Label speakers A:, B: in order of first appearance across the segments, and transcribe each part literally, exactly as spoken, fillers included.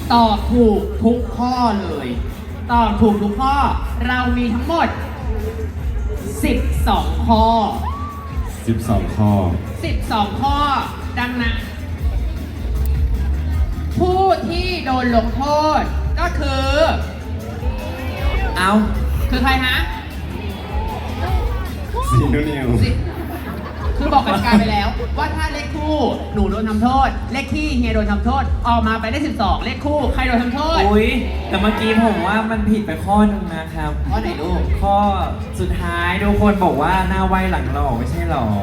A: ตอบถูกทุกข้อเลย ตอบถูกทุกข้อ เรามีทั้งหมด สิบสอง ข้อ
B: สิบสอง ข้อ
A: สิบสอง ข้อ ดังนั้น ผู้ที่โดนลงโทษก็คือ
C: เอา
A: คือใครฮะ
B: ซีนูนิว
A: สิคือบอกกติกาไปแล้ว ว่าถ้าเลขคู่หนูโดนทำโทษ เลขที่เฮียโดนทำโทษ ออกมาไปได้สิบสอง เลขคู่ใครโดนทำโทษ
C: อุ้ยแต่เมื่อกี้ผมว่ามันผิดไปข้อหนึงนะครับ
A: ข้อไหนลูก
C: ข้อสุดท้ายทุกคนบอกว่าหน้าไวหลังหล่อไม่ใช่หรอ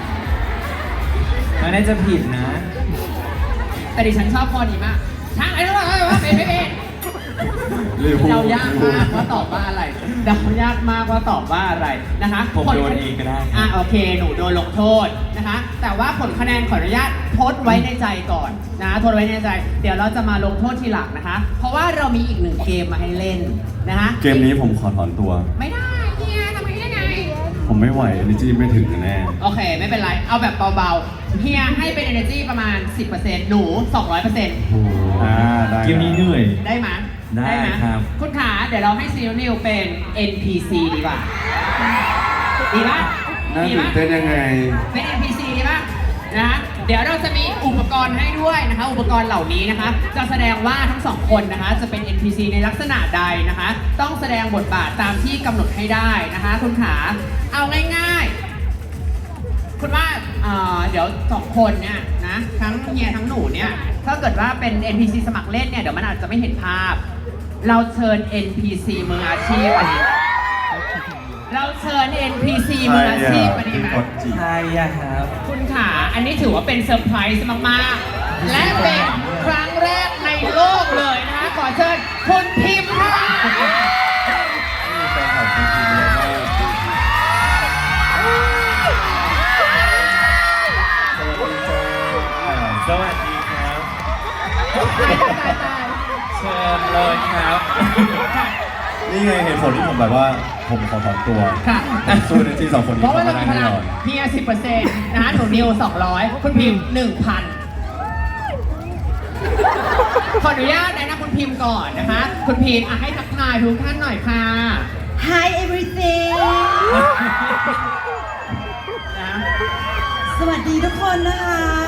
C: มันน่าจะผิดนะ
A: แต่ดิฉันชอบข้อนี้มากช่างไอ้รู้ไหมว่าเป็นไม่เป็น
B: ลิเวอร์พูล
A: เดายากมากว่าตอบว่าอะไรเดายากมากว่าตอบว่าอะไรนะคะ
C: ผม
A: ผล
C: โดนเองก็ได้
A: อ่ะโอเค หนูโดนลงโทษนะคะ แต่ว่าผลคะแนนขออนุญาตทดไว้ในใจก่อนนะทดไว้ในใจ เดี๋ยวเราจะมาลงโทษทีหลังนะคะ เพราะว่าเรามีอีกหนึ่งเกมมาให้เล่นนะคะ
B: เกมนี้ผมขอถอนตัว
A: ไม่ได้เฮียทำไมได้ไง
B: ผมไม่ไหว energy ไม่ถึงแน่
A: โอเค ไม่เป็นไร เอาแบบเบาๆเฮียให้เป็น energy ประมาณ สิบเปอร์เซ็นต์ หนู สองร้อยเปอร์เซ็นต์
B: อ่าได้
C: เกมนี้เหนื่อย
A: ได้ไหม
C: ได้
A: หม
C: ครับ
A: คุณขาเดี๋ยวเราให้ซีนิวเป็น เอ็น พี ซี ดีกว่า ดีป่ะ
B: น่า
A: ดี
B: ตื่
A: ป่ะ
B: นเต้นยังไง
A: เป็น เอ็น พี ซี ดีป่ะนะคะเดี๋ยวเราจะมีอุปกรณ์ให้ด้วยนะคะ อุปกรณ์เหล่านี้นะคะ จะแสดงว่าทั้งสองคนนะคะ จะเป็น เอ็น พี ซี ในลักษณะใดนะคะ ต้องแสดงบทบาทตามที่กำหนดให้ได้นะคะ คุณขาเอาง่ายๆ คุณว่าเอ่อเดี๋ยวสองคนเนี่ยนะทั้งเฮียทั้งหนูเนี่ยถ้าเกิดว่าเป็น เอ็น พี ซี สมัครเล่นเนี่ยเดี๋ยวมันอาจจะไม่เห็นภาพ เราเชิญ เอ็น พี ซี มืออาชีพอันนี้เราเชิญ เอ็น พี ซี มืออาชีพอันนี้ไหม
B: กดจีบ
C: ใช่อะครับ
A: คุณขาอันนี้ถือว่าเป็นเซอร์ไพรส์มากๆ และเป็นครั้งแรกในโลกเลยนะคะขอเชิญคุณพิมพ์ค่ะ
B: มีแฟนคลับจริงๆเยอะมากสวัสดีจ้า
C: สวัสดีครับ
A: ตายตายตาย
C: เชิญเลยครับ
B: นี่ไงเหตุผลที่ผมแบบว่าผมขอถอนตัว
A: ค่ะ
B: สู้ในที่สองคนนี้
A: เพราะว่า
B: เขา
A: เรา
B: ไม่
A: มี
B: ได้
A: พ
B: แน่
A: ลัง
B: นอน
A: เพียสิบเปอร์เซ็นต์นะคะหนูนิวสองร้อยคุณพิมพ์หนึ่งพันขออนุญาตแนะนำคุณพิมพ์ก่อนนะคะ คุณพิมพ์อ่ะให้ทักทายทุกท่านหน่อยค่ะ
D: Hi everything
A: นะ
D: สวัสดีทุกคนนะคะ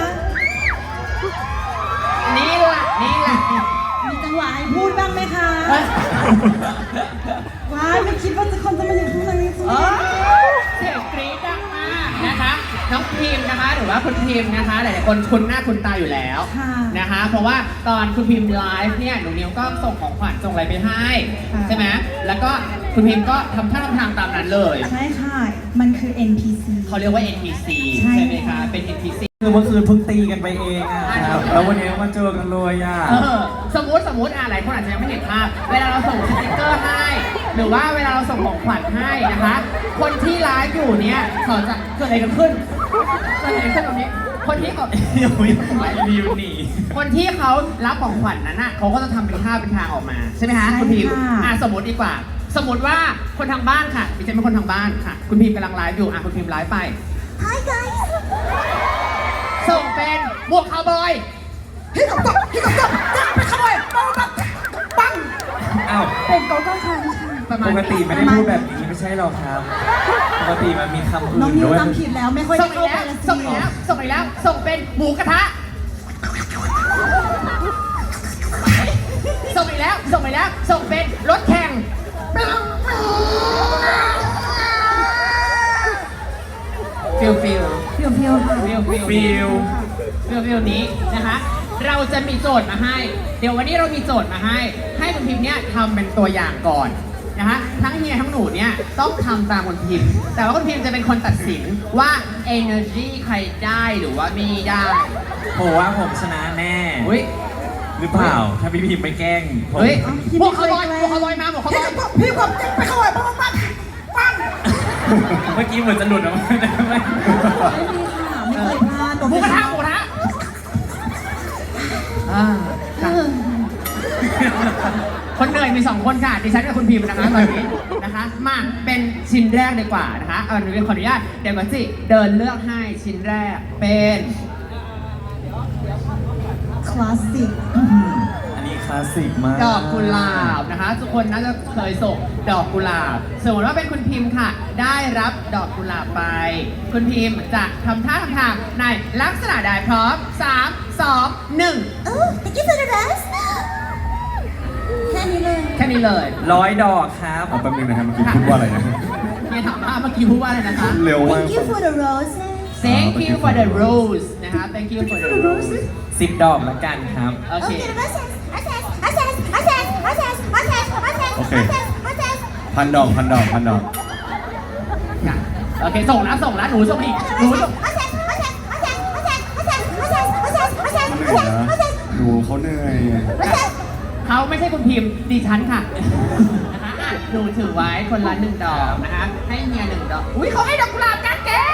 A: นี่แหละนี่แหละ
D: มีจังหวะให้พูดบ้างไหมคะ ว้ายไม่คิดว่าจะคนจะมาอยู่ข้างในสุด
A: เออเสียงกรี๊ดดังมากนะคะน้องพิมพ์นะคะหรือว่าคุณพิมพ์นะคะหลายๆคนคุ้นหน้าคุ้นตาอยู่แล้วนะคะ เพราะว่าตอนคุณพิมพ์ไลฟ์เนี่ยหนูนิวก็ส่งของขวัญส่งอะไรไปให้ใช่ไหมแล้วก็คุณพิมพ์ก็ทำท่าทำทางตามนั้นเลย
D: ใช่ค่ะ มันคือ เอ็น พี ซี
A: เขาเรียกว่า เอ็น พี ซี
D: ใช่
A: ใช่ไหมคะเป็น เอ็น พี ซี
C: คือเมื่อคืนเพิ่งตีกันไปเองอะครับ แล้ววันนี้มาเจอกันเลยอะ
A: เออสมมติสมมติอ่ะหลายคนอาจจะยังไม่เห็นภาพ เวลาเราส่งสติกเกอร์ให้ หรือว่าเวลาเราส่งของขวัญให้นะคะ คนที่ไลฟ์อยู่เนี่ยเขาจะเกิดอะไรกันขึ้นเกิดอะไรขึ้นตรงนี้ คนที่เขา
C: เดี๋ยวไม่รีวิวหนี
A: คนที่เขารับของขวัญนั้นน่ะเขาก็จะทำเป็นท่าเป็นทางออกมาใช่ไหมคะคุณพิมพ์อ่ะสมมติดีกว่า สมมติว่าคนทางบ้านค่ะดิฉันเป็นคนทางบ้านค่ะ คุณพิมพ์กำลังไลฟ์อยู่อ่ะคุณพิมพ์ไลฟ์ไป
D: Hi guys
A: ส่งเป็นบวกคาวบอย
D: พี่ตบตบพี่ตบตบจ้าไปขโมยปังปังปัง
C: อ้าว
D: เป็นโกโก้คันค่ะ
A: ประมา
C: ป
A: ณ
C: กติไม่ได้พูดแบบนี้ไม่ใช่หรอครับ ปกติมันมีคำอื่
D: น้อง
C: น
D: นิว
C: ด้วย
D: จำผิดแล้วไม่ค่อย
A: ส่
D: ได้
A: งอี
D: เข้าก ไป
A: แล้ว
D: ละ
A: ส่งอีกแล้วส่งอีกแล้วส่งเป็นหมูกระทะส่งอีกแล้วส่งอีกแล้วส่งเป็นรถแข่งฟิลฟิล
D: เพียวเพียวค่ะ
A: ฟิลฟิล
C: ฟิล
A: ฟิลฟิลนี้นะคะ เราจะมีโจทย์มาให้ เดี๋ยววันนี้เรามีโจทย์มาให้ ให้คุณพิมพ์เนี่ยทำเป็นตัวอย่างก่อนนะคะทั้งเฮียทั้งหนูเนี่ยต้องทำตามคุณพิมพ์ แต่ว่าคุณพิมพ์จะเป็นคนตัดสินว่า energy ใครได้หรือว่าไม่ได้
C: ผมว่าผมชนะแน่
A: อุ้ย
C: หรือเปล่า ถ้าพี่พิมพ์ไม่แกล้งผม
A: เฮ้ยพวกเขาลอยพวกเขาลอยมาพวกเขาลอย
D: พี่ความจริงไปขโมยปังปังปัง
C: เมื่อกี้เหมือนจะหลุดออกมาแต่ไม่
D: ไม่มีค่ะไม่เคยพลาด
A: หมูกระทะหมูกระทะอ่าค่ะ คนเหนื่อยมีสองคนค่ะดิฉันกับคุณพิมพ์นะคะตอนนี้นะคะมาเป็นชิ้นแรกดีกว่านะคะเอาหนูขออนุญาตเดี๋ยวก่อนสิเดินเลือกให้ชิ้นแรกเป็น
D: คลาสสิก
C: อันนี้คลาสสิกมาก
A: ดอกกุหลาบนะคะ ทุกคนน่าจะเคยส่งดอกกุหลาบสมมติว่าเป็นคุณพิมพ์ค่ะ ได้รับดอกกุหลาบไป คุณพิมพ์จะทำท่าทำทางในลักษณะใดพร้อมสาม สอง หนึ่ง
D: Oh thank you for the rose แค่นี้เลย
A: แค่นี้เลย
C: ร้อยดอกครับ
B: เอาแป๊บนึงนะครับเมื่อกี้พูดว่าอะไรนะ
A: เนี่ยถามว่าเมื่อกี้พูดว่าอะไรนะคะ
B: เร็วมาก
D: Thank you for the roses
A: Thank you for the rose นะคะ Thank you for the rose
C: สิบดอกละกันครับ
A: โอเค
D: Okay the roses roses roses roses roses roses roses
B: โอเค
D: roses roses
B: พันดอกพันดอกพันดอก
A: ค่ะโอเค ส่งแล้วส่งแล้วหนูส่งอีกหนูส่ง
D: roses roses roses roses roses roses roses roses
B: เขาเหนื่อยนะ
D: roses
B: หนูเขาเหนื่อย
D: roses
A: เขาไม่ใช่คุณพิมพ์ดิฉันค่ะนะคะอ่ะหนูถือไว้คนละหนึ่งดอกนะคะ ให้เมียหนึ่งดอก อุ้ยเขาให้ดอกกุหลาบกันเก๋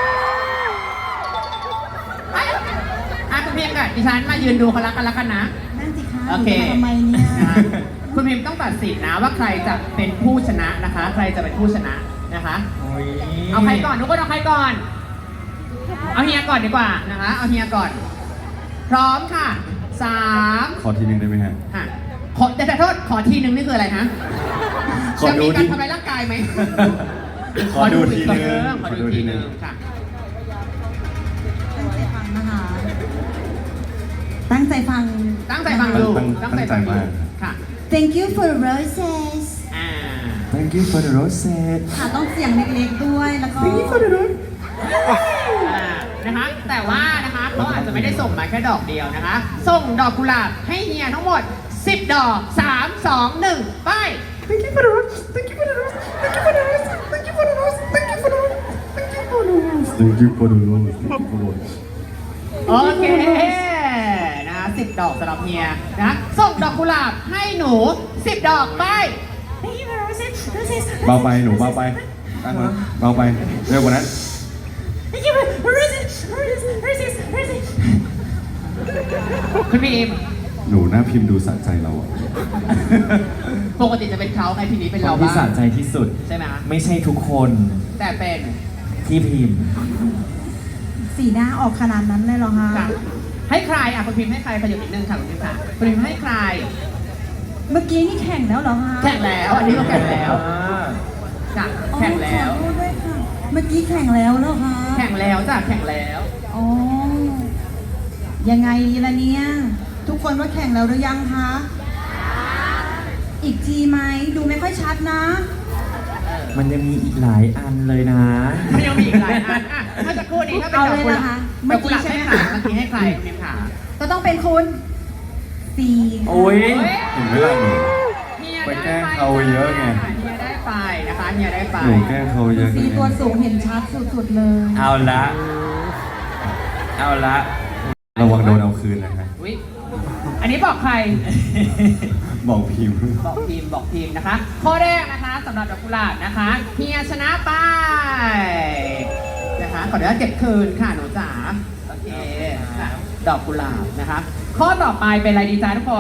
A: ไปอ่ะคุณพิมพ์กับดิฉันมายืนดูเขารักกันแล้วกันนะ
D: นั่นสิคะ
A: โอเค
D: ทำไมเนี่ย
A: นะคะคุณพิมพ์ต้องตัดสินนะว่าใครจะเป็นผู้ชนะนะคะ ใครจะเป็นผู้ชนะนะคะ
C: โอ้ย
A: เอาใครก่อนทุกคนเอาใครก่อน เอาเฮียก่อนดีกว่านะคะ เอาเฮียก่อน พร้อมค่ะสาม
B: ขอทีนึงได้ไหมฮะ
A: อ่ะขอแต่แต่โทษขอทีนึงนี่คืออะไรฮะ
B: ขอ
A: จะ
B: ดู
A: มีการ
B: ที
A: ทำลายร่างกายไหม
B: ขอดูทีนึง
A: ขอดูทีนึงค่ะ
D: ฟังนะคะ ตั้งใจฟัง
A: ตั้งใจฟังดู
B: ตั้งตั้งใจมาก
A: ค่ะ
D: Thank you for the roses
A: อ่า
B: Thank you for the roses
D: ค่ะต้องเสียงเล็กๆด้วยแล้วก็
B: Thank you for the roses
A: อ่านะคะ แต่ว่านะคะเขาอาจจะไม่ได้ส่งมาแค่ดอกเดียวนะคะ ส่งดอกกุหลาบให้เฮียทั้งหมดสิบดอกสาม สอง หนึ่งไป
B: Thank you for the roses Thank you for the roses Thank you for the roses Thank you for the roses Thank you for the roses Thank you for the roses Thank you for the roses Thank you for the roses
A: โอเคนะสิบดอกสำหรับเฮียนะส่งดอกกุหลาบให้หนูสิบดอกไป
D: Thank you for the roses roses
B: เบาไปหนูเบาไปตั้งมาเบาไปเร็วกว่านั้น
D: Thank you for the roses roses roses roses
A: คุณพีม
B: หนูหน้าพิมพ์ดูสะใจเราอะ
A: ปกติจะเป็นเขาไงทีนี้เป็น
C: ค
A: เรา
C: นที่
A: บ้า
C: สะ
A: ง
C: ใจที่สุด
A: ใช่ไหม
C: ไม่ใช่ทุกคน
A: แต่เป็น
C: ที่พิมพ์
D: สีหน้าออกขนาดนั้นเลยเหรอคะ
A: ค่ะให้ใครอ่ะคุณพิมให้ใครขยับนิดนึงค่ะคุณพิมค่ะคุณพิมให้ใคร
D: เมื่อกี้นี่แข่งแล้วเหรอคะ
A: แข่งแล้วอันนี้ก็แข่งแล้ว
C: อ่า
A: จ้ะ
D: อ๋อ
A: แข่งแล้ว
D: ขอโทษด้วยค่ะ เมื่อกี้แข่งแล้วเหรอคะ
A: แข่งแล้วจ้ะแข่งแล้ว
D: อ๋อ ยังไงดีล่ะเนี่ย ทุกคนว่าแข่งแล้วหรือยังคะ อีกทีไหม ดูไม่ค่อยชัดนะ
C: มันยังมีอีกหลายอันเลยนะ
A: มันยังมีอีกหลายอันอ่ะเมื่อสักครู่นี้ถ้าเป็นดอกกุหลาบ
D: เอาเลยนะคะ
A: ดอกกุหลาบ
D: เมื่อกี้ใช่
A: ให้
D: ไหม
A: ขา
D: คะ
A: เมื่อกี้ให้ใครคุณพิมขา
D: ก็ต้องเป็นคุณสี่
C: โอ้ย
A: เฮ้ย
B: เห็นไหมล่ะหนู
A: เฮีย
B: ไป
A: ได้
B: แกล้งเขาเยอะไง
A: เฮียได้ไปนะคะเฮียได้ไป
B: หนูแกล้งเขาเยอะ
D: สีตัวสูงเห็นชัดสุดๆเลย
C: เอาละ เอาละ
B: ระวังโดนเอาคืนนะฮะ
A: อุ๊ยอันนี้บอกใคร
B: บอกพิมพ์
A: บอกทีมบอกทีมนะคะ ข้อแรกนะคะสำหรับดอกกุหลาบนะคะเฮียชนะไปนะคะขออนุญาตเก็บคืนค่ะหนูจ๋าโอเคค่ะดอกกุหลาบนะคะ ข้อต่อไปเป็นอะไรดีจ้าทุกคน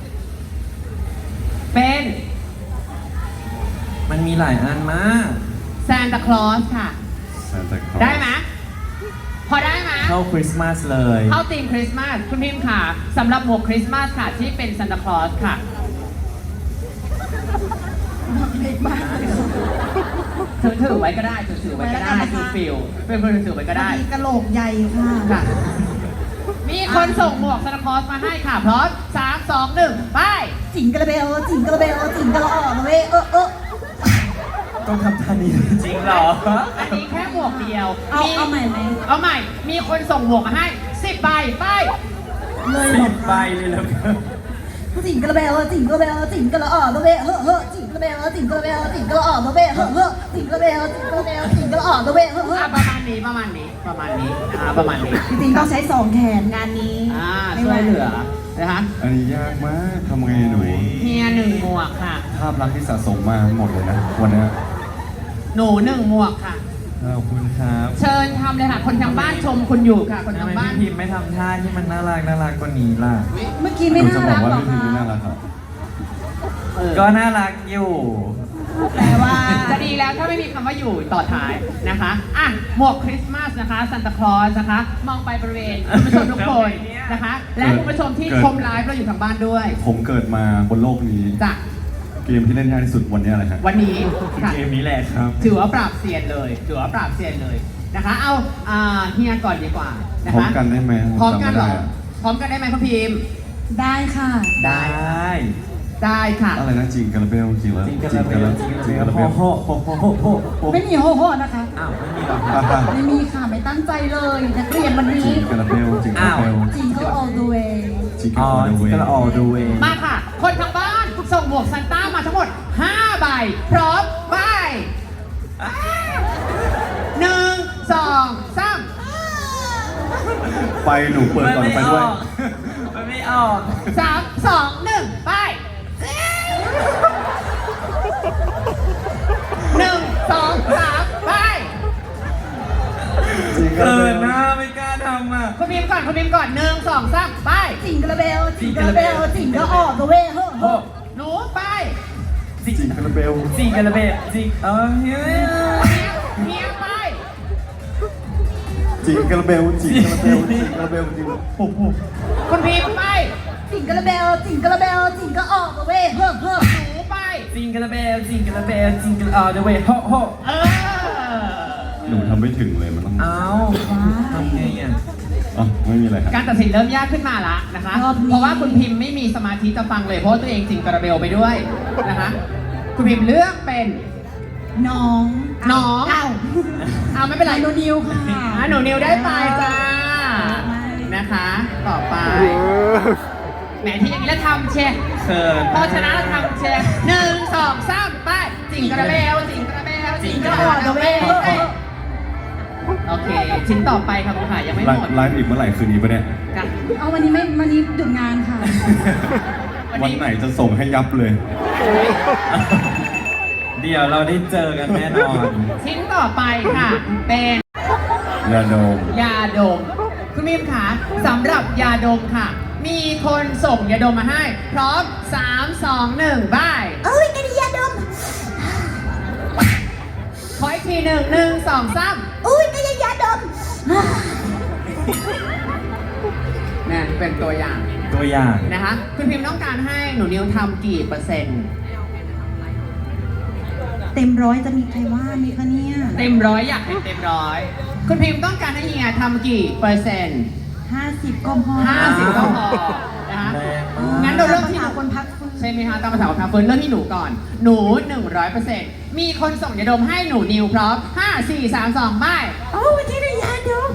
A: เป็น
C: มันมีหลายอันมาก
A: ซานตาคลอสค่ะ
B: Santa Claus
A: ได้ไหมพอได้ไหม
C: เข้าคริสต์มาสเลย
A: เข้าธีมคริสต์มาสคุณพิมพ์ค่ะสำหรับหมวกคริสต์มาสค่ะที่เป็นซานตาคลอสค่ะ
D: เล็กมากเลย
A: ถือถือไว้ก็ได้ถือถือไว้ก็ได้ถือฟิลเป็นคนถือไว้ก็ได้
D: มีกระโหลกใหญ่ค่ะ
A: ค่ะ มีคนส่งหมวกซานตาคลอสมาให้ค่ะพร้อมสามสองหนึ่งไป
D: จิงกระเบลจิงกระเบลจิงกระออกเว้ยเออเออ
C: ต้องทำท่านี้จริงเหรอ
A: อันนี้แค่หมวกเดียว
D: เอาเอาใหม่ไหม
A: เอาใหม่ มีคนส่งหมวกมาให้สิบใบไป
D: เลยบ
C: สิ
D: อก
C: บใบเลยแล้วกัน
D: จิงกระเบลจิงกระเบลจิงกระออกเว้ยเฮ้อเฮ้อจิงกระเบลจิงกระเบลจิงกระออกเว้ยเฮ้อเฮ้อจิงกระเบลจิงกระเบลจิงกระออกเว้ยเฮ้อเฮ้อ
A: อ่ะประมาณนี้ประมาณนี้ประมาณนี้นะคะประมาณนี้
D: จริงๆต้องใช้สองแขนงานนี้
A: อ่าช่วยเหลือนะคะ
B: อันนี้ยากมากทำไงหนู
A: เฮียหนึ่งหมวกค่ะ
B: ภาพลักษณ์ที่สะสมมาหมดเลยนะวันนี้
A: หนูหนึ่งหมวกค่ะ
C: ขอบคุณครับ
A: เชิญทำเลยค่ะ คนทางบ้านชมคุณอยู่ค่ะ คน
C: ทำ
A: ทาง
C: ไม
A: บ้าน
C: พี่พิมพ์ไม่ทำท่าที่มันน่ารักน่ารักกว่านี้ล่ะ
D: เมื่อกี้
B: ห
D: ไม่
B: นู
D: น่า
B: จะบอ
D: รั
B: ก
D: ก
B: ว่า
D: หรอ
B: พี่พิมพ์
D: คะ
B: ไม่น่ารักครับ
A: เออ
C: ก็น่ารักอยู่
D: แปลว่า
A: จะดีแล้วถ้าไม่มีคำว่าอยู่ต่อท้ายนะคะอ่ะหมวกคริสต์มาสนะคะซันตาคลอสนะคะ มองไปบริเวณคุณผู้ชมทุกคนนะคะ และคุณผู้ชมที่ชมไลฟ์เราอยู่ทางบ้านด้วย
B: ผมเกิดมาบนโลกนี้
A: จ้ะ
B: เกมที่เล่นยากที่สุดวันนี้อะไรครับ
A: วันนี้ค่ะ
C: เกมนี้แหละครับ
A: ถือว่าปราบเซียนเลย ถือว่าปราบเซียนเลยนะคะ เอาอ่าเฮียก่อนดีกว่านะคะ
B: พร้อมกันได้ไหม
A: พร้อมกันเหรอ
B: จำไม่ได้อะ
A: พร้อมกันได้ไหมคุณพิมพ์
D: ได้ค่ะ
A: ได้ ได้ค่ะ
B: อะไรนะจริงกันละเบลจริงแล้ว
C: จริงกันละเบลจริงกันละเบล
B: จริง
C: โฮโฮโฮโฮโฮโฮ
D: ไม่มีโฮโฮนะคะ
C: อ้าวไม่มีหรอ
B: ฮ่าฮ่า
D: ไม่มีค่ะ ไม่ตั้งใจเลยนักเรียนวัน
B: จ
D: นี้
B: ริงกันละเบลจริงกันละเบล
D: จริงก็ all the way
B: จริงกั
C: อ๋
B: น
C: อ
B: ละ
C: จ
B: เว
C: ริงกันละออดูเอง
A: มาค่ะ คนทางบ้านส่งหมวกซันต้ามาทั้งหมดห้าใบ พร้อมใบหนึ่งสองสาม
B: ไปหนูเปิดก่อนไปด้วย
C: มันไม่ออก
A: สามสองหนึ่งไปหนึ่งสองสามไป
B: จริงกัน
C: เกิ
B: ละ
C: นห
B: เบ
C: น้า
B: ล
C: ไม่กล้าทำอ่ะ
A: คุณพิมพ์ก่อนคุณพิมพ์ก่อนหนึ่งสองสามไป
D: จริงกระเบลจริงกระเบลจริงก็ all the way โฮโฮ
A: หนูไป
C: จริง
B: จริงกันละเบล
C: จริงกันละเบลจริงเออเฮ้ย
A: เมียไป
B: จริงกันละเบลจริงกันละเบลจริงกันละเบลจริงโอ้โห
A: คุณพิมพ์ไป
D: จริงกระเบลจริงกระเบลจริงก็ all the way โฮโฮ
A: หนูไป
C: จริงกันละเบลจริงกันละเบลจริงกันเออเดเวโฮโฮ
A: เออ
B: หนูทำไม่ถึงเลยมันต้อง
C: เอ้าทำไงอ่ะ
B: อ่ะไม่มีอะไรครับ
A: การตัดสินเริ่มยากขึ้นมาละนะคะ
D: รอบนี้
A: เพราะว่าคุณพิมพ์ไม่มีสมาธิจะฟังเลยเพราะว่าตัวเองจริงกระเบลไปด้วยนะคะ คุณพิมพ์เลือกเป็น
D: น้อง
A: น้อง
D: เอ้า
A: เอาไม่เป็นไร
D: โนนิวค่ะ
A: อ่ะหนูนิวได้ไปจ้านะคะ ต่อไปแหมที่อย่างนี้แล้วทำเชียร์
C: เขิน
A: พอชนะแล้วทำเชียร์หนึ่งสองสามไปจิงกระเบลจิงกระเบลจิงกระเบลโอเค ชิ้นต่อไปค่ะคุณค่ะยังไม่
B: ไล
A: หมด
B: ฟ์ไลฟ์อีกเมื่อไหร่คืนนี้ปะเนี่ย
A: จ้ะ
D: เอาวันนี้ไม่วันนี้หยุดงานค่ะ
B: วันไหนจะส่งให้ยับเลย
C: เดี๋ยวเราได้เจอกันแน่นอน
A: ชิ้นต่อไปค่ะ เป็น
B: ยาดม
A: ยาดม คุณมิมค่ะสำหรับยาดมค่ะ มีคนส่งยาดมมาให้ พร้อมสามสองหนึ่งบาย
D: เอ้ยกันยาดม
A: ขออีกทีหนึ่งหนึ่งสองสาม
D: อุ้ยกันยาดม
A: นี่เป็นตัวอย่าง
C: ตัวอย่าง
A: นะคะ คุณพิมพ์ต้องการให้หนูนิวทำกี่เปอร์เซ็นต์
D: เต็มร้อยจะมีใครว่ามีคะเนี่ย
A: เต็มร้อยอยากให้เต็มร้อย คุณพิมพ์ต้องการให้เฮียทำกี่เปอร์เซ็นต์
D: ห้าสิบก็พอ
A: ห้าสิบก็พอนะคะ
C: แรง
A: งั้นเราเริ่มที่
D: หาคนพักฟื้น
A: ใช่ไหมคะตามภาษาของคาเฟิร์นเริ่มที่หนูก่อน หนูหนึ่งร้อยเปอร์เซ็นต์มีคนส่งยาดมให้หนูนิวพร้อมห้าสี่สามสองไป
D: โอ้วันนี้ได้ยาดม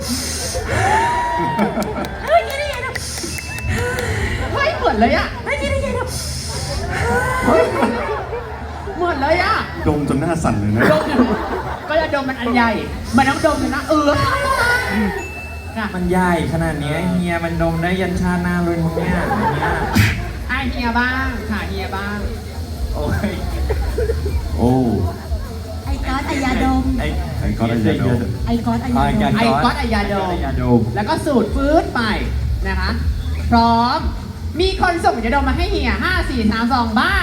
D: เฮ้ยได้ยาดม
A: เฮ้ยเหมือนเลยอะ
D: เฮ้ยได้ยาดม
A: เฮ้ยเหมือนเลยอะ
B: ดมจนหน้าสั่นเลยนะ
A: ดมก็จะดมมันอันใหญ่ มันต้องดมเลยนะเออค่ะ
C: มันใหญ่ขนาดเนี้ยเฮียมันดมได้ยันชาติหน้าเลยมึงเนี่ยอย่างเนี้ย
A: ไอเฮียบ้างค่ะเฮียบ้าง
C: โอ้ย
B: โอ้
D: ไอ้ก๊อตไอ้ยาดม
C: ไอ้
B: ไอ้ก๊อตไอ้ยาดม
D: ไอ้ก๊อตไอ้ยาดม
A: ไอ้ก๊อตไอ้ยาดม
C: ไอ้ยาดม
A: แล้วก็สูตรฟื้นไปนะคะ พร้อม มีคนส่งยาดมมาให้เฮียห้าสี่สามสองบาย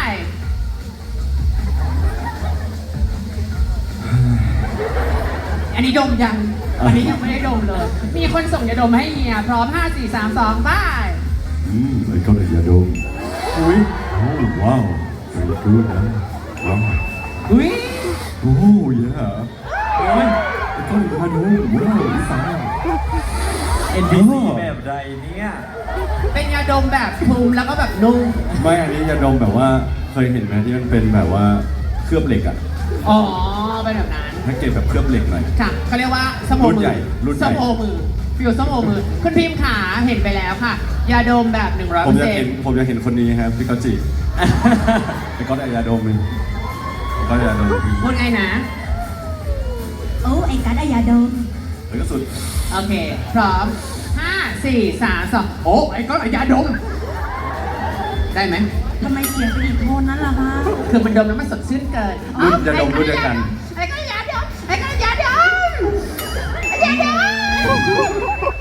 A: อันนี้ดมยัง อันนี้ยังไม่ได้ดมเลย มีคนส่งยาดมมาให้เฮียพร้อมห้าสี่สามสองบาย
B: อืมไอ้ก๊อตไอ้ยาดมอุ้ยโอ้ว้าว very good นะว้าว
A: อุ้ย
B: โอ้ยอ่ะโอ้ยไอ้ก๊อตไอ้ยาดมว้าวสาว
C: เอ็นพีซีแบบใดเนี่ย
A: เป็นยาดมแบบทุมแล้วก็แบบนุ่ม
B: ไม่อันนี้ยาดมแบบว่าเคยเห็นไหมที่มันเป็นแบบว่าเคลือบเหล็กอะ
A: อ๋อ เป็นแบบนั้น
B: แพ็กเกจแบบเคลือบเหล็กหน่อย
A: ค่ะเขาเรียกว่าสมโอ
B: รุ่น
A: มื
B: ใหญ่รุ่นใหญ่
A: สมโอมือฟิวสมโอมือ คุณพิมพ์ขาเห็นไปแล้วค่ะ ยาดมแบบหนึ่งร้อย
B: ผ
A: เปอ
B: ม
A: ร์
B: อยาก
A: เซ็น
B: เห็น
A: ต์
B: ผมอยากเห็นคนนี้ครับพี่กอจิไอ้ก๊อตไอ้ยาดมเลยก๊อตไอ้ยาดม
A: พูดไงนะ
D: โอ้ไอ้ก๊อตไอ้ยาดม
B: แล้วก็สุด
A: โอเค พร้อมห้าสี่สามสองโอ้ไอ้ก้อนไอ้ยาดม ได้ไหม
D: ทำไมเสียงเป็นอีกโทนนั้นล่ะคะ
A: คือมันดมแล้วมันสดชื่นเกิน
B: รุ่นยาดมรุ่นเดียวกัน
A: ไอ้ก้อนยาดมไอ้ก้อนยาดมไอ้ยาดม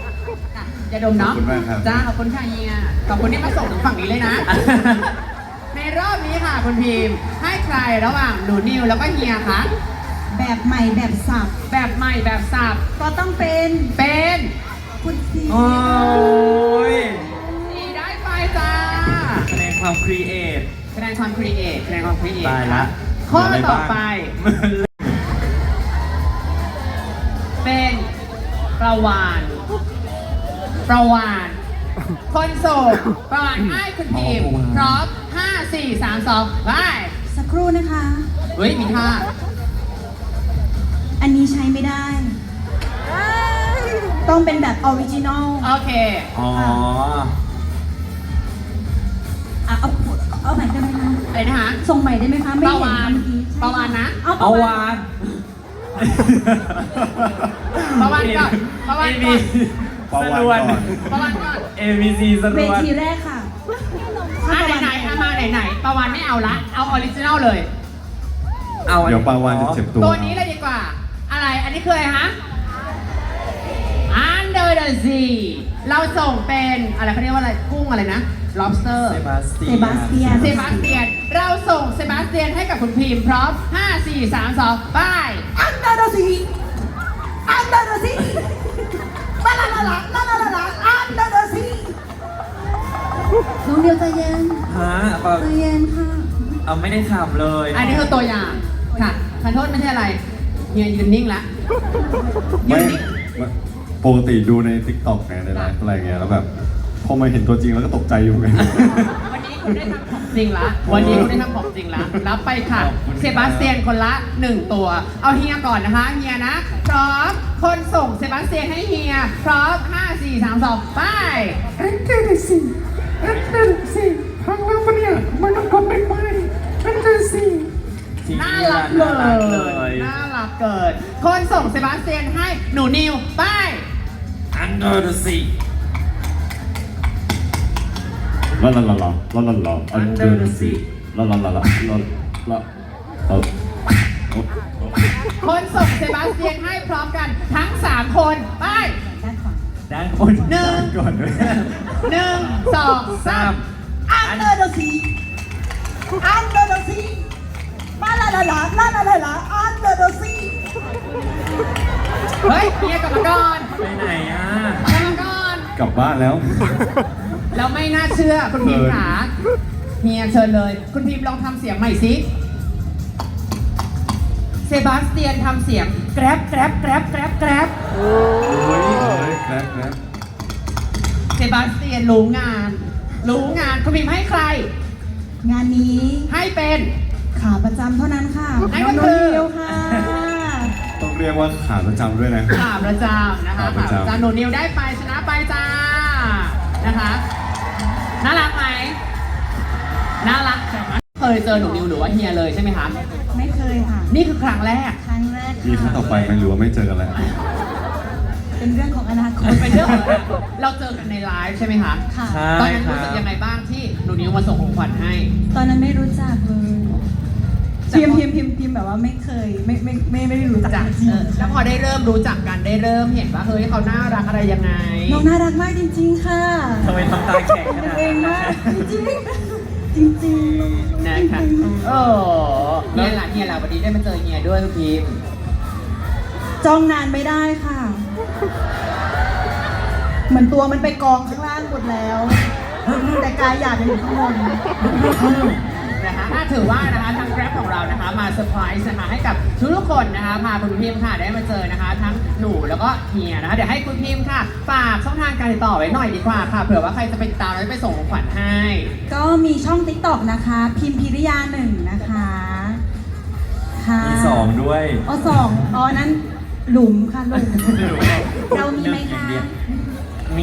A: ยาดมเนาะ
B: ขอบคุณมากครับ
A: จ้าขอบคุณค่ะเฮียขอบคุณที่มาส่งถึงฝั่งนี้เลยนะในรอบนี้ค่ะคุณพิมพ์ให้ใครระหว่างหนูนิวแล้วก็เฮียคะ
D: แบบใหม่แบบสับ
A: แบบใหม่แบบสับ
D: ก็ต้องเป็น
A: เป็น
D: คุณซี
C: โอ้ย
A: สี่ได้ไปจ้า
C: คะแนนความครีเอท
A: คะแนนความครีเอทคะแนนความครีเอท
C: ตายละ
A: ข้อ
C: เหลืะร
A: ต่อ
C: บ้าง
A: ไป เป็นประวานประวานคนโสดประวานให้คุณพิมพ์พร้อมห้าสี่สามสองไป
D: สักครู่นะคะ
A: เฮ้ย มีท่า
D: อันนี้ใช้ไม่ได้ ต้องเป็นแบบออริจินอล
A: โอเค
C: อ๋อ
D: อ่ะเอาเอาใหม่ได้ไหมคะ
A: อะไรนะคะ
D: ส่งใหม่ได้ไหมคะ ไม่
A: ประ
D: เห็น
A: วาน
D: เมื่อกี้
A: ประวานนะ
D: เอาป
C: เอา
D: ระวาว
C: าน น
A: ประวานก่อนประวานก่อน
B: ประ
C: ส
B: วาน
C: รวน
B: ก่อน
A: ประวานก่อน
C: เอ บี ซี สร
D: เว
C: วน
D: ทีแรกค่ะ
A: อ่ะไหนๆอ่ะมาไหนๆประวานไม่เอาละ เอาออริจินัลเลย
C: เอาอัน
B: เดี๋ยวปลาวานจะเจ็บตัว
A: ตัวนี้เลยดีกว่า อะไร อันนี้คืออะไรฮะ Under the Sea เราส่งเป็นอะไรเขาเรียกว่าอะไร กุ้งอะไรนะ lobster
C: เซบาสเตีย
D: เซบาสเตียน
A: เซบาสเตียน เราส่งเซบาสเตียนให้กับคุณพิมพ์พร้อม ห้า สี่ สาม สอง ไป
D: อันเดอร์ซีอันเดอร์ซีลาลาลาลาลาลาลาลาอันเดอร์ซีน้องเดียวใจเย็น
C: ฮะเปล่า
D: ใจเย็นค่ะ
C: เอาไม่ได้ทำเลย
A: อันนี้คือตัวอย่าง ค่ะขอโทษไม่ใช่อะไรเฮียยืนนิ่งละยื
B: ไม่
A: นนิ่ง
B: ไม่ปกติดูใน ติ๊กต็อก ไงในไลฟ์อะไรเงี้ยแล้วแบบพอมาเห็นตัวจริงแล้วก็ตกใจอยู่ไง
A: วันนี้คุณได้ทำของจริงละ วันนี้คุณได้ทำของจริงละ รับไปค่ะ เซบาสเตียนคนละหนึ่งตัว เอาเฮียก่อนนะคะ เฮียนะ พร้อม คนส่งเซบาสเตียนให้เฮีย พร้อม ห้า สี่ สาม สอง ไป
B: อันเดอร์ซีอันเดอร์ซีพังแล้วปะเนี่ยมันต้องกดไม่ไปอันเดอร์ซี
C: จริง
A: น่ารักเล
C: น่ารักเลย ย
A: น่ารักเกิด คนส่งเซบาสเตียนให้หนูนิว ไป
C: Under the sea
B: ลาลาลาลาลาลาลา
C: Under the sea
B: ลาลาลาลาลาลาเออ
A: คนส่งเซบาสเตียนให้พร้อมกันทั้งสามคน ไป
D: ด้านขวา
C: ด้านบน
A: หนึ่ง
B: ก่อนด้วย
A: หนึ่งสองสาม
D: อันเดอร์ซีอันเดอร์ซีลาลาลาลาลาลาลาลาอันเดอร์ซี
A: เฮ้ยเฮียกลับมาก่อน
C: ไปไหนอ่ะ
A: กลับมาก่อน
B: กลับบ้านแล้ว
A: แล้วไม่น่าเชื่อคุณพิมพ์ขาเฮียเชิญเลย คุณพิมพ์ลองทำเสียงใหม่สิเซบาสเตียนทำเสียงแกร็บแกร็บแกร็บแกร็บแกร็บ
B: โอ้ยแกร็บแกร็บ
A: เซบาสเตียนรู้งาน รู้งานคุณพิมพ์ให้ใคร
D: งานนี้
A: ให้เป็น
D: ขาประจำเท่านั้นค่ะ
A: นั่นก็
D: น้อง
A: คือ
D: เดียวค่ะ
B: ต้องเรียกว่าขาประจำด้วยนะ
A: ขาประจำนะคะ
B: ขาประจำ
A: ขาประจำหนูนิวได้ไปชนะไปจ้านะคะน่ารักไหมน่ารักเคยเจอหนูนิวหรือว่าเฮียเลยใช่ไหมคะ
D: ไม่เคยค่ะ
A: นี่คือครั้งแรก
D: ครั้งแรก
B: มีครั้งต่อไปไหมหรือว่าไม่เจอกันแล้ว
D: เป็นเรื่องของอนาคต
A: มันเป็นเรื่องของเราเจอกันในไลฟ์ใช่ไหมคะ
D: ค่ะ
C: ใช่
A: ตอนนั้น
C: ค
A: รู้
C: รั
A: สึก
C: บ
A: ยังไงบ้างที่หนูนิวมาส่งของขวัญให้
D: ตอนนั้นไม่รู้จักเลยพิมพ์พิมพ์พิมพ์พิมพ์แบบว่าไม่เคยไม่ไม่ไม่ไม่ได้รู้จัก
A: จาก
D: จริง
A: เออแล้วพอได้เริ่มรู้จักกันได้เริ่มเห็นว่าเฮ้ยเขาน่ารักอะไรยังไง
D: น้องน่ารักมากจริง ๆ ค่ะ
C: ทำไมทำตาแข็งขนาด
D: เอ
C: นั้
D: ง
C: น
D: มากจริงๆจริงๆ
A: นะคะโอ้เฮียล่ะเฮียล่ะวันนี้ได้มาเจอเฮียด้วยคุณพิมพ์
D: จ้องนานไม่ได้ค่ะ เหมือนตัวมันไปกองข้างล่างหมดแล้ว แต่กายอยากจะอยู่ข้างบน
A: นะคะอ่ะถือว่านะคะทาง Grab ของเรานะคะมาเซอร์ไพรส์นะคะให้กับทุกๆคนนะคะพาคุณพิมพ์ค่ะได้มาเจอนะคะ ทั้งหนูแล้วก็เฮียนะคะเดี๋ยวให้คุณพิมพ์ค่ะฝากช่องทางการติดต่อไว้หน่อยดีกว่าค่ะเผื่อว่าใครจะไปติดตามแล้วไปส่งของขวัญให้
D: ก็มีช่อง ติ๊กต็อก นะคะ พิมพิริยาหนึ่งนะคะค่ะ
C: มีสองด้วย
D: อ๋อสองอ๋อนั้นหลุมค่ะหลุม เรามีไหมคะ
C: มี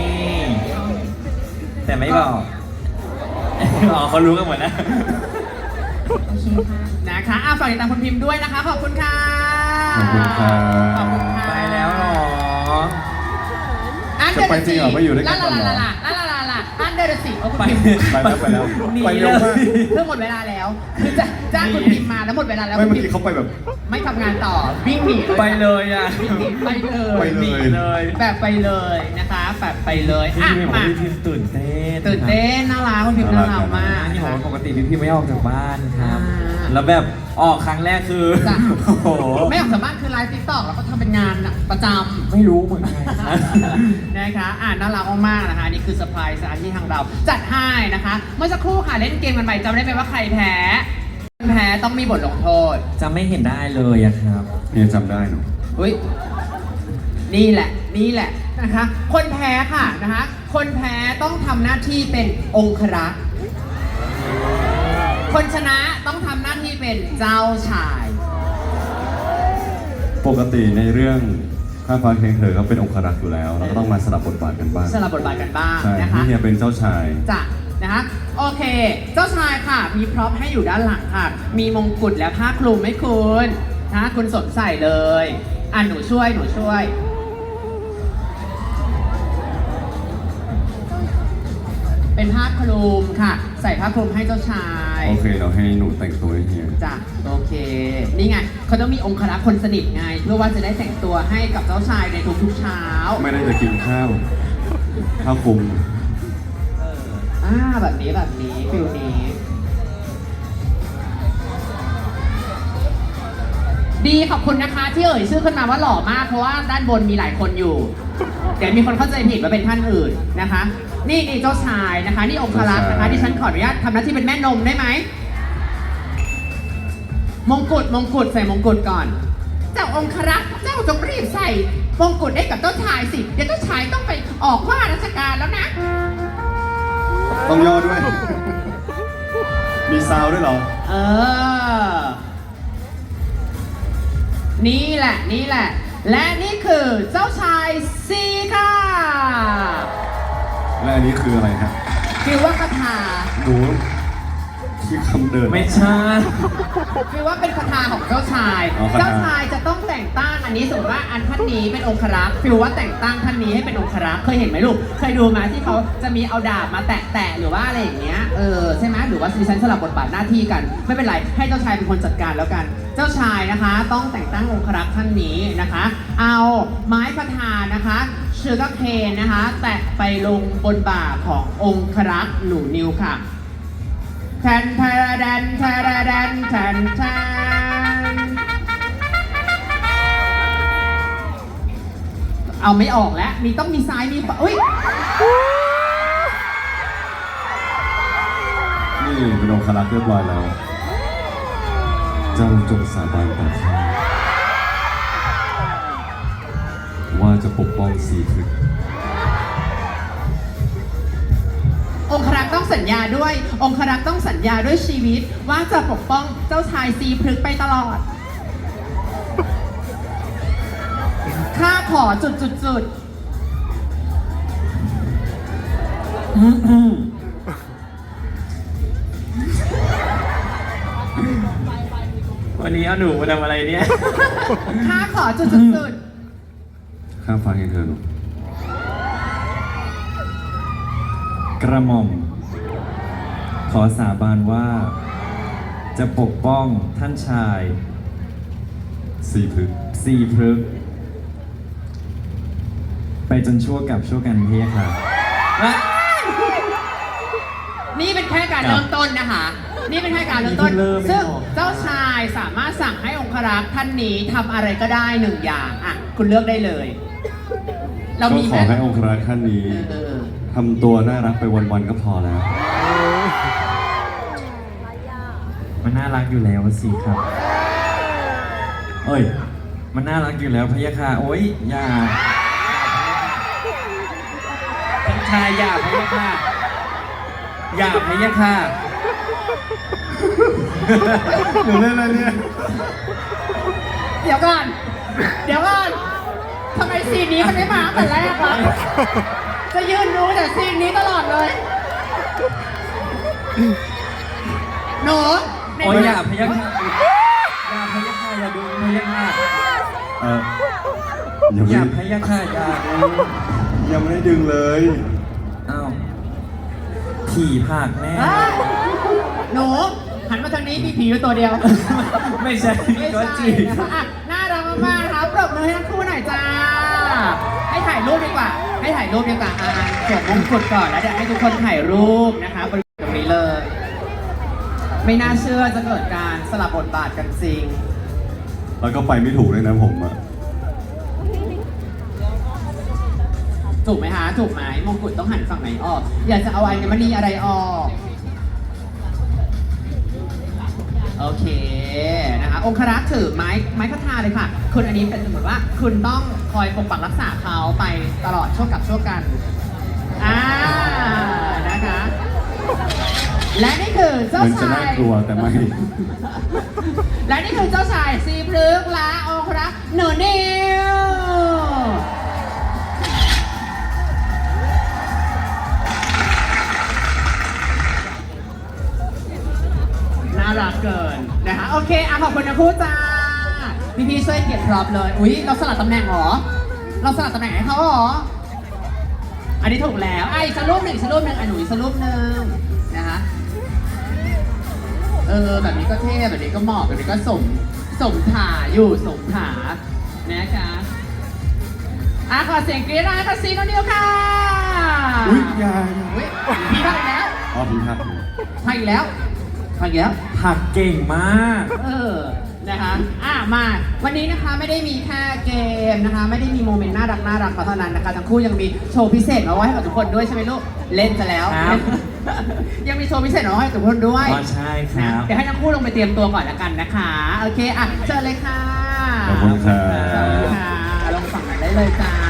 C: แต่ไม่บอก อ๋อเขารู้กันหมดนะ
D: โอเคค่ะ
A: นะคะอ่ะฝากติดตามคุณพิมพ์ด้วยนะคะ ขอบคุณค่ะ
B: ขอบคุณครับ
A: ขอบคุณค่ะ
C: ไปแล้วเหรอ
A: อันเดอ
B: จะไป
A: ร์
B: จริงเหรอไม่อยู่ด้วยกัน
A: ลา
B: ก่อนเหรอ
A: ลาลาลาลาลาลาอันเดอเลยละสิเอาคุณ
C: ไป
A: พิมพ์
B: ไปแล้วไปแล้ว
C: หนี
B: ไปเร็วมาก
A: เรื่องหมดเวลาแล้วคือจะจ้างคุณพิมพ์มาแล้วหมดเวลาแล้ว
B: ไม่
A: คุณ
B: เมื่อ
A: พิม
B: กี้
A: พ์
B: เขาไปแบบ
A: ไม่ทำงานต่อวิ่งหนีเลย
C: ไปเลยอ่ะ
A: วิ่งหนีไปเลย
B: ไปเลย
C: เลย
A: แบบไปเลยนะคะแบบไปเลยอ่ะ
C: พี่พิมพ์บอก
A: มา
C: ว่าพี่พิมพ์ตื่นเต้น
A: ตื่นเต้นน่ารักคุณพิมพ์น่ารักมาก
C: นี่บอกว่าปกติพี่พิมพ์ไม่ออกจากบ้านครับ
A: อ่า
C: แล้วแบบออกครั้งแรกคือ
A: จ้ะ
C: โอ้โห
A: ไม่ออกจากบ้านคือไลฟ์ติ๊กต็อกแล้วก็ทำเป็นงานน่ะประจำ
C: ไม่รู้เหมือนกันครับ
A: นะคะอ่าน่ารักมากๆนะคะ นี่คือเซอร์ไพรส์ที่ทางเราจัดให้นะคะ เมื่อสักครู่ค่ะเล่นเกมกันไปจำได้ไหมว่าใครแพ้คนแพ้ต้องมีบทลงโทษ
C: จะไม่เห็นได้เลยอะครับ
B: เนี่ยจำได้หนู
A: อุ้ยนี่แหละ นี่แหละนะคะ คนแพ้ค่ะนะคะ คนแพ้ต้องทำหน้าที่เป็นองครักษ์คนชนะต้องทำหน้าที่เป็นเจ้าชาย
B: ปกติในเรื่องข้าฟ้าเคียงเธอก็เป็นองครักษ์อยู่แล้วเราก็ต้องมาสลับบทบาทกันบ้าง
A: สลับบทบาทกันบ้าง
B: ใช่
A: นะคะ
B: พี่เฮียเป็นเจ้าชาย
A: จ้ะนะคะโอเค เจ้าชายค่ะ มีพร็อพให้อยู่ด้านหลังค่ะ มีมงกุฎและผ้าคลุมให้คุณนะคุณสวมใส่เลยอ่ะหนูช่วยหนูช่วย เป็นผ้าคลุมค่ะ ใส่ผ้าคลุมให้เจ้าชาย
B: โอเคเราให้หนูแต่งตัวให้เฮีย
A: จ้ะโอเค นี่ไงเขาต้องมีองครักษ์คนสนิทไง เพื่อว่าจะได้แต่งตัวให้กับเจ้าชายในทุกๆเช้า
B: ไม่ได้จะกินข้าวข้าวคลุม
A: อ่าแบบนี้แบบนี้ฟิลนี้ ดีขอบคุณนะคะที่เอ่ยชื่อขึ้นมาว่าหล่อมากเพราะว่าด้านบนมีหลายคนอยู่ เดี๋ยวมีคนเข้าใจผิดว่าเป็นท่านอื่นนะคะ นี่นี่เจ้าชายนะคะ นี่องครักษ์นะคะที่ฉันขออนุญาตทำหน้าที่เป็นแม่นมได้ไหมมงกุฎมงกุฎใส่มงกุฎก่อน เจ้าองครักษ์เจ้าจงรีบใส่มงกุฎให้กับเจ้าชายสิเดี๋ยวเจ้าชายต้องไปออกว่าราชการแล้วนะ
B: ต้องย่อด้วย มีซาวด้วยเหรอ
A: เออ นี่แหละ นี่แหละ และนี่คือเจ้าชายซีค่ะ
B: และอันนี้คืออะไรฮะ
A: คือว่าคาถา
B: หนูที่คำเดิน
C: ไม่ใช่
A: คือว่าเป็นคาถาของเจ้าชาย
B: อ๋อคาถา
A: เจ้าชายจะต้องแต่งตั้งอันนี้สมมติว่าอันท่านนี้เป็นองครักษ์ฟิลว่าแต่งตั้งท่านนี้ให้เป็นองครักษ์เคยเห็นไหมลูก เคยดูไหมที่เขาจะมีเอาดาบมาแตะๆหรือว่าอะไรอย่างเงี้ย เออใช่ไหมหรือว่าดิฉันสลับบทบาทหน้าที่กัน ไม่เป็นไร ให้เจ้าชายเป็นคนจัดการแล้วกัน เจ้าชายนะคะ ต้องแต่งตั้งองครักษ์ท่านนี้นะคะ เอาไม้คาถานะคะชูการ์เคนนะคะ แตะไปลงบนบ่าขององครักษ์หนูนิวค่ะแทนแทนแทนแทนแทนแทนแทนเอาไม่ออกแล้ว มีต้องมีซ้ายมีขวาอุ้ย
B: นี่เป็นองครักษ์เรียบร้อยแล้ว เจ้าจงสาบานต่อข้าว่าจะปกป้องสีพฤกษ์
A: องครักษ์ต้องสัญญาด้วย องครักษ์ต้องสัญญาด้วยชีวิต ว่าจะปกป้องเจ้าชายซีพฤกษ์ไปตลอด ข้าขอจุดจุดจุด
C: วันนี้เอาหนูมาทำอะไรเนี่ย
A: ข้าขอจุดจุดจุด
B: ข้ามฟ้าเคียงเธอหนู
C: กระหม่อม ขอสาบานว่า จะปกป้องท่านชาย
B: สีพฤกษ์
C: ซีพฤกษ์ไปจนชั่วกับชั่วกันเพียค่ะ
A: นี่เป็นแค่การเริ่มต้นนะคะ นี่เป็นแค่การเริ่มต้น
C: นี่เพิ่งเริ่มไม่
A: ซึ่ง
C: ออก
A: เจ้าชายสามารถสั่งให้องครักษ์ท่านนี้ทำอะไรก็ได้หนึ่งอย่างอ่ะคุณเลือกได้เลย เรา
B: ก็
A: มี
B: ข
A: ไหม
B: อให้องครักษ์ท่านนี้
A: เออ
B: ทำตัวน่ารักไปวันๆก็พอแล้ว
C: มันน่ารักอยู่แล้วสิครับ เอ้ย มันน่ารักอยู่แล้วพะยะค่ะ โอ๊ยอย่าท่านชายอย่าพะยะค่ะ อย่าพะยะค่ะ
B: หนูเล่นอะไรเนี่ย
A: เดี๋ยวก่อน เดี๋ยวก่อนทำไมซีนนี้มันไม่มาตั้งแต่แรกวะจะยืนดูแต่ซีนนี้ตลอดเลยหนูใน
C: โอ๊ย
A: เมื่
C: อย่าพะยะค่ะ อย่าพะยะค่ะอย่าดูพะยะค่ะ
B: เออยัง
C: อ
B: ไม่
C: ย่าพะยะค่ะอย่าดู
B: ยังไม่ได้ดึงเลย
C: อ้าวผีผักแน่
A: เอ้ยหนูหันมาทางนี้มีผีอยู่ตัวเดียว
C: ไม่ใช่
A: ไม่
C: ก็
A: ใช่
C: จี
A: นะคะอ่ะน่ารักมากๆนะคะปรบมือให้ทั้งคู่หน่อยจ้า ให้ถ่ายรูปดีกว่า ให้ถ่ายรูปดีกว่าอ่าสวมมงกุฎก่อนแล้วเดี๋ยวให้ทุกคนถ่ายรูปนะคะบริเวณตรงนี้เลย ไม่น่าเชื่อจะเกิดการสลับบทบาทกันจริง
B: แล้วก็ไปไม่ถูกเลยนะผมอะ
A: ถูกไหมฮะ ถูกไหมมงกุฎต้องหันฝั่งไหนออก อยากจะเอาอัญมณีอะไรออก โอเคนะคะองครักษ์ถือไม้ไม้คทาเลยค่ะ คุณอันนี้เป็นสมมติว่าคุณต้องคอยปกปักรักษาเขาไปตลอดช่วงกับช่วงกันอ่านะคะ และนี่คือเจ้า
B: มันจะ
A: ชา
B: น่าย กลัวแต่ไม่
A: และนี่คือเจ้าชายซีพฤกษ์และองครักษ์หนูนิวน่ารักเกินนะคะโอเคอ่ะขอบคุณนะพูดจ้าพี่พี่ๆช่วยเก็บพร็อพเลยอุ๊ยเราสลับตำแหน่งเหรอเราสลับตำแหน่งให้เขาเหรออันนี้ถูกแล้วอ่ะอีกสักรูปหนึ่งอีกสักรูปหนึ่งอ่ะหนูอีกสักรูปหนึ่งนะคะเออแบบนี้ก็เท่แบบนี้ก็เหมาะแบบนี้ก็สมสมถาอยู่สมถานะคะอ่ะขอเสียงกรี๊ดหน่อยค่ะซีโนนิวค่ะ
B: อุ๊ยอยา
A: อุ๊ยพี่พักอีกแล้ว
B: อ๋อพี่ครับ
A: พักอีกแล้วพักอีกแล้ว
C: ผักเก่งมาก
A: เออ นะคะ อ่ะ มา วันนี้นะคะไม่ได้มีแค่เกมนะคะ ไม่ได้มีโมเมนต์น่ารักน่ารักเท่านั้นนะคะ ทั้งคู่ยังมีโชว์พิเศษมาไว้ให้กับทุกคนด้วยใช่ไหมลูก เล่นจะแล้ว
C: ครับ
A: ยังมีโชว์พิเศษมาไว้ให้กับทุกคนด้วย
C: อ๋อใช่ครับ
A: นะเดี๋ยวให้ทั้งคู่ลงไปเตรียมตัวก่อนละกันนะคะ โอเค อ่ะ เชิญเลยค่ะ
B: ขอบคุณครั
A: เชิญ
B: บ
A: ค่ะ ลงฝั่งไหนได้เลยจ้า